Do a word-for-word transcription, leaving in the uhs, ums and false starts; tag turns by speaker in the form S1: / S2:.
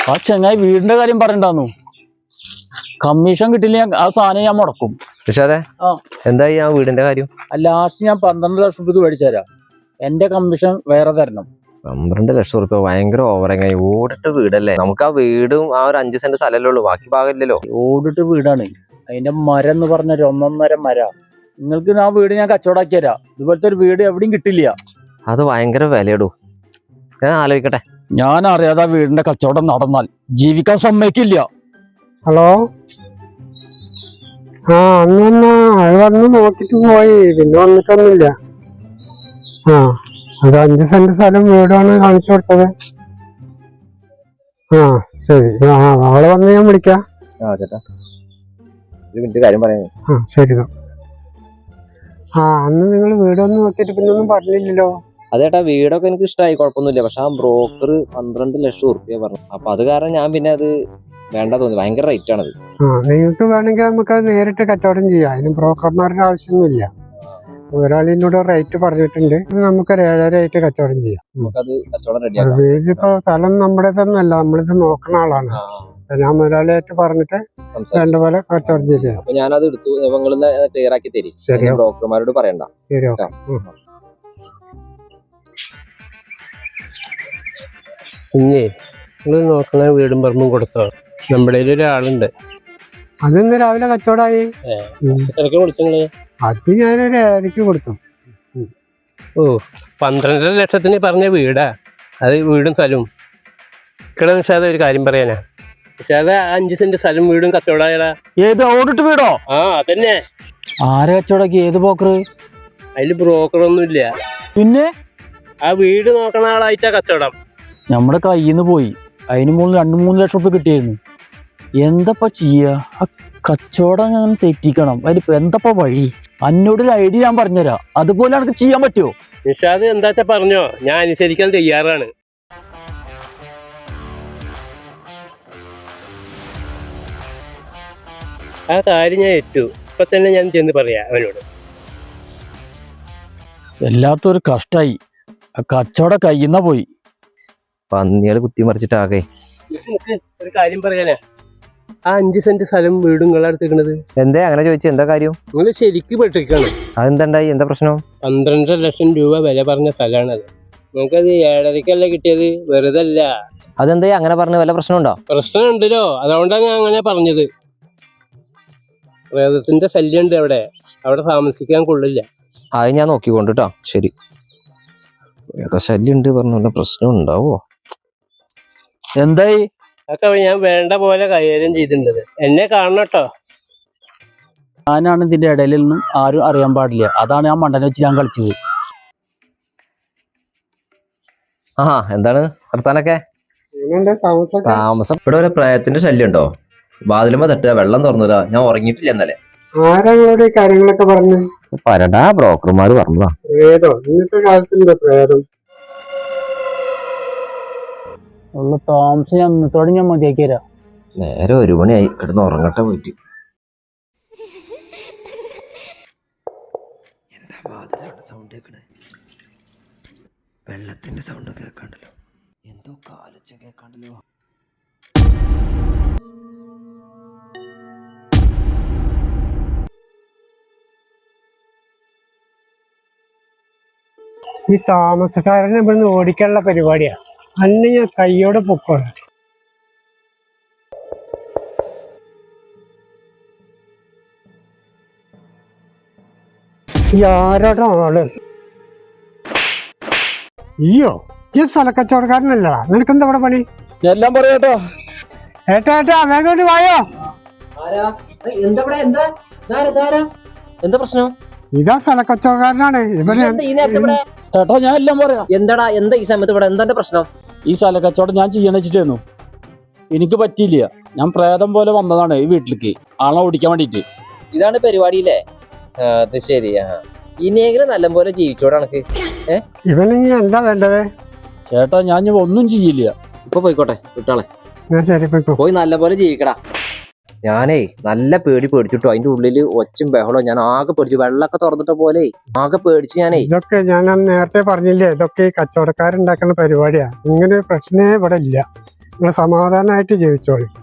S1: ആ ചെങ്ങായി വീടിന്റെ കാര്യം പറയണ്ടാന്നു. കമ്മീഷൻ കിട്ടില്ല ആ സാധനം ഞാൻ മുടക്കും.
S2: പക്ഷേ അതെ എന്തായി ആ വീടിന്റെ കാര്യം?
S1: ലാസ്റ്റ് ഞാൻ പന്ത്രണ്ട് ലക്ഷം രൂപ മേടിച്ചു തരാം. എന്റെ കമ്മീഷൻ വേറെ തരണം.
S2: പന്ത്രണ്ട് ലക്ഷം റുപ്യ ഭയങ്കര ഓവറങ്ങായി. ഓടിട്ട് വീടല്ലേ, നമുക്ക് ആ വീടും ആ ഒരു അഞ്ച് സെന്റ് സ്ഥലമല്ലേ ഉള്ളൂ, ബാക്കി ഭാഗമില്ലല്ലോ.
S1: ഓടിട്ട് വീടാണ്, അതിന്റെ മരം എന്ന് പറഞ്ഞ ഒരു ഒന്നൊന്നര മര. നിങ്ങൾക്ക് ആ വീട് ഞാൻ കച്ചവടാക്കി തരാം. ഇതുപോലത്തെ ഒരു വീട് എവിടെയും കിട്ടില്ല.
S2: അത് ഭയങ്കര വിലയിടൂ. ഞാൻ ആലോചിക്കട്ടെ.
S1: ഞാൻ അറിയാതെ വീടിന്റെ കച്ചവടം നടന്നാൽ ജീവിക്കാൻ സമ്മതിക്കില്ല.
S3: ഹലോ, ആ അന്ന് അത് വന്ന് നോക്കിട്ട് പോയി, പിന്നെ വന്നിട്ടൊന്നുമില്ല. ആ അത് അഞ്ച് സെന്റ് സ്ഥലം വീടാണ് കാണിച്ചു കൊടുത്തത്. ആ ശരി, ആ അവളെ വന്ന് ഞാൻ വിളിക്കാം.
S2: ആ ചേട്ടാ ഒരു മിനിറ്റ് കാര്യം പറയാം.
S3: ആ ശരി. ആ അന്ന് നിങ്ങൾ വീടൊന്നും നോക്കിയിട്ട് പിന്നെ ഒന്നും പറഞ്ഞില്ലല്ലോ.
S2: അതേട്ടാ വീടൊക്കെ എനിക്ക് ഇഷ്ടമായി, കുഴപ്പമൊന്നുമില്ല. പക്ഷെ ആ ബ്രോക്കർ പന്ത്രണ്ട് ലക്ഷം ഉറുപ്പ്യ പറഞ്ഞു. അപ്പൊ അത് കാരണം ഞാൻ പിന്നെ അത് വേണ്ട തോന്നി. ഭയങ്കര റേറ്റ് ആണത്.
S3: ആ നിങ്ങൾക്ക് വേണമെങ്കിൽ നമുക്ക് അത് നേരിട്ട് കച്ചവടം ചെയ്യാം. അതിന് ബ്രോക്കർമാരുടെ ആവശ്യമൊന്നുമില്ല. ഒരാളിനോട് റേറ്റ് പറഞ്ഞിട്ടുണ്ട്, നമുക്കൊരു ഏഴര ആയിട്ട് കച്ചവടം ചെയ്യാം.
S2: നമുക്കത് കച്ചവടം റെഡിയാക്കാം.
S3: വീടിപ്പോ സ്ഥലം നമ്മുടേതൊന്നുമല്ല, നമ്മളിത് നോക്കുന്ന ആളാണ്. ഞാൻ മുതലാളിയായിട്ട് പറഞ്ഞിട്ട് രണ്ടു പോലെ കച്ചവടം ചെയ്യാം.
S2: അപ്പൊ ഞാനത് എടുത്തു, നിങ്ങൾ ക്ലിയർ ആക്കി തരും.
S3: ശരി,
S2: ബ്രോക്കർമാരോട് പറയണ്ട.
S3: ശരി, ഓക്കെ.
S4: ഇഞ്ഞേ നിങ്ങൾ നോക്കണ വീടും പറമ്പും കൊടുത്തോ. നമ്മുടെ ഒരാളുണ്ട്.
S3: അതിന്ന് രാവിലെ കച്ചവടമായി.
S4: വിളിച്ചങ്ങള്
S3: അത് ഞാനൊരു ഏഴരക്ക് കൊടുത്തു.
S4: ഓ പന്ത്രണ്ടര ലക്ഷത്തിന് പറഞ്ഞ വീടാ അത്. വീടും സ്ഥലവും ഇക്കടെ നിഷാദ ഒരു കാര്യം പറയാനാ. പക്ഷെ അത് അഞ്ച് സെന്റ് സ്ഥലം വീടും കച്ചവടായടാ.
S1: ഏത് ഓടിട്ട് വീടോ?
S4: ആ അതന്നെ.
S1: ആരെ കച്ചവടാക്കി? ഏത് ബ്രോക്കർ?
S4: അതില് ബ്രോക്കറൊന്നും ഇല്ല.
S1: പിന്നെ
S4: ആ വീട് നോക്കണ ആളായിട്ടാ കച്ചവടം.
S1: നമ്മുടെ കയ്യിൽ നിന്ന് പോയി. അതിന് മൂന്ന് രണ്ടു മൂന്ന് ലക്ഷം റുപ്യ കിട്ടിയായിരുന്നു. എന്തപ്പ ചെയ്യാ? ആ കച്ചവടം ഞാൻ തെറ്റിക്കണം. അതിലിപ്പോ എന്തപ്പ വഴി? അന്നോടൊരു ഐഡിയ ഞാൻ പറഞ്ഞുതരാം, അതുപോലെ എനിക്ക് ചെയ്യാൻ പറ്റുമോ?
S4: നിഷാദ് എന്താച്ചാ പറഞ്ഞോ, ഞാൻ അനുസരിക്കാൻ തയ്യാറാണ്. ആ കാര്യം ഞാൻ ഏറ്റു. ഇപ്പൊ തന്നെ ഞാൻ ചെന്ന് പറയാ അവനോട്.
S1: വല്ലാത്തൊരു കഷ്ടായി. ആ കച്ചവടം കയ്യുന്ന പോയി.
S2: പന്നികള് കുത്തിമറിച്ചിട്ടാകെ.
S4: ഒരു കാര്യം പറയാനാ, ആ അഞ്ച് സെന്റ് സ്ഥലം വീടും നിങ്ങളടുത്തേക്കണത്
S2: എന്തേ അങ്ങനെ ചോദിച്ചു? എന്താ കാര്യം?
S4: നിങ്ങൾ ശരിക്കും പെട്ടിരിക്കാണ്.
S2: അതെന്തായി? എന്താ പ്രശ്നം?
S4: പന്ത്രണ്ടര ലക്ഷം രൂപ വില പറഞ്ഞ സ്ഥലമാണത്. നിങ്ങൾക്കത് ഏഴരക്കല്ല കിട്ടിയത്, വെറുതെ അല്ല.
S2: അതെന്താ അങ്ങനെ പറഞ്ഞ? വല്ല പ്രശ്നമുണ്ടോ?
S4: പ്രശ്നം ഉണ്ടല്ലോ, അതുകൊണ്ടാണ് ഞാൻ അങ്ങനെ പറഞ്ഞത്. പ്രേതത്തിന്റെ ശല്യം ഉണ്ട് അവിടെ, അവിടെ താമസിക്കാൻ കൊള്ളില്ല.
S2: അത് ഞാൻ നോക്കിക്കൊണ്ട് കേട്ടോ. ശരി. പ്രേത ശല്യം ഉണ്ട് പറഞ്ഞ പ്രശ്നം ഉണ്ടാവോ?
S1: എന്തായി?
S4: അതൊക്കെ ഞാൻ വേണ്ട പോലെ കൈകാര്യം ചെയ്തിട്ടുണ്ട്. എന്നെ കാണണം കേട്ടോ.
S1: ഞാനാണ് ഇതിന്റെ ഇടയിലൊന്നും ആരും അറിയാൻ പാടില്ല. അതാണ് ഞാൻ മണ്ടനെ വെച്ച് ഞാൻ കളിച്ചത്.
S2: ആ എന്താണ് വർത്താനൊക്കെ? താമസം ഇവിടെ ഒരു പ്രേതത്തിന്റെ ശല്യം ഉണ്ടോ? വാതിലുമ്പോ തട്ടുക, വെള്ളം തുറന്നില്ല. ഞാൻ ഉറങ്ങിയിട്ടില്ല ഇന്നലെ.
S3: ആരാങ്ങളോട് ഈ കാര്യങ്ങളൊക്കെ പറഞ്ഞു?
S2: പരടാ ബ്രോക്കർമാര് പറഞ്ഞതാ.
S3: ഏതോ ഇന്നത്തെ കാലത്തുണ്ടോ പ്രേതം?
S1: ഉള്ള താമസം ഞാൻ ഇന്നത്തോടെ ഞാൻ മതിയാക്കി തരാം.
S2: നേരെ ഒരു മണിയായി, കിടന്ന് ഉറങ്ങട്ടെ പോയിട്ട്.
S5: എന്താ വാതിലാണ് സൗണ്ട് കേൾക്കണേ? വെള്ളത്തിന്റെ സൗണ്ട് കേൾക്കാണ്ടല്ലോ. എന്തോ കാലച്ച കേൾക്കാണ്ടല്ലോ.
S3: ഈ താമസക്കാരനെ ഇവിടുന്ന് ഓടിക്കാനുള്ള പരിപാടിയാ. അന്ന് ഞാൻ കയ്യോടെ പൊക്കോളാം. ആരോടോ ആള്? അയ്യോ, ഈ സ്ഥലക്കച്ചവടക്കാരനല്ലടാ. നിനക്കെന്താ ഇവിടെ പണി?
S1: എല്ലാം പറയാട്ടോ.
S3: ഏട്ടാ ഏട്ടാ വേഗം വായോ.
S2: എന്താ പ്രശ്നം?
S3: ഇതാ സ്ഥലക്കച്ചവടക്കാരനാണ് ഇവിടെ.
S1: ചേട്ടാ ഞാൻ എല്ലാം പറയാം.
S2: എന്താടാ എന്താ ഈ സമയത്ത് ഇവിടെ എന്താ പ്രശ്നം?
S1: ഈ സ്ഥല കച്ചവടം ഞാൻ ചെയ്യാൻ വെച്ചിട്ടായിരുന്നു. എനിക്ക് പറ്റിയില്ല. ഞാൻ പ്രേതം പോലെ വന്നതാണ് ഈ വീട്ടിലേക്ക് ആളെ ഓടിക്കാൻ വേണ്ടിട്ട്.
S2: ഇതാണ് പരിപാടിയില്ലേ? അത് ശരിയാ. ഇനിയെങ്കിലും നല്ലപോലെ ജീവിക്കോടെ കണക്ക്. ഏഹ്
S3: ഇവനിങ്ങ എന്താ വേണ്ടത്?
S1: ചേട്ടാ ഞാൻ ഒന്നും ചെയ്യില്ല.
S2: ഇപ്പൊ പോയിക്കോട്ടെ വിട്ടാളെ.
S3: ശരി പോയിക്കോ.
S2: പോയി നല്ലപോലെ ജീവിക്കടാ. ഞാനേ നല്ല പേടി പേടിച്ചിട്ടോ. അതിന്റെ ഉള്ളില് ഒച്ചും ബഹളോ. ഞാൻ ആകെ പേടിച്ചു. വെള്ളമൊക്കെ തുറന്നിട്ട പോലെ ആകെ പേടിച്ചു ഞാനേ.
S3: ഇതൊക്കെ ഞാൻ നേരത്തെ പറഞ്ഞില്ലേ, ഇതൊക്കെ ഈ കച്ചവടക്കാരുണ്ടാക്കുന്ന പരിപാടിയാ. ഇങ്ങനെ ഒരു പ്രശ്നമേ ഇവിടെ ഇല്ല. നിങ്ങൾ സമാധാനമായിട്ട് ജീവിച്ചോളി.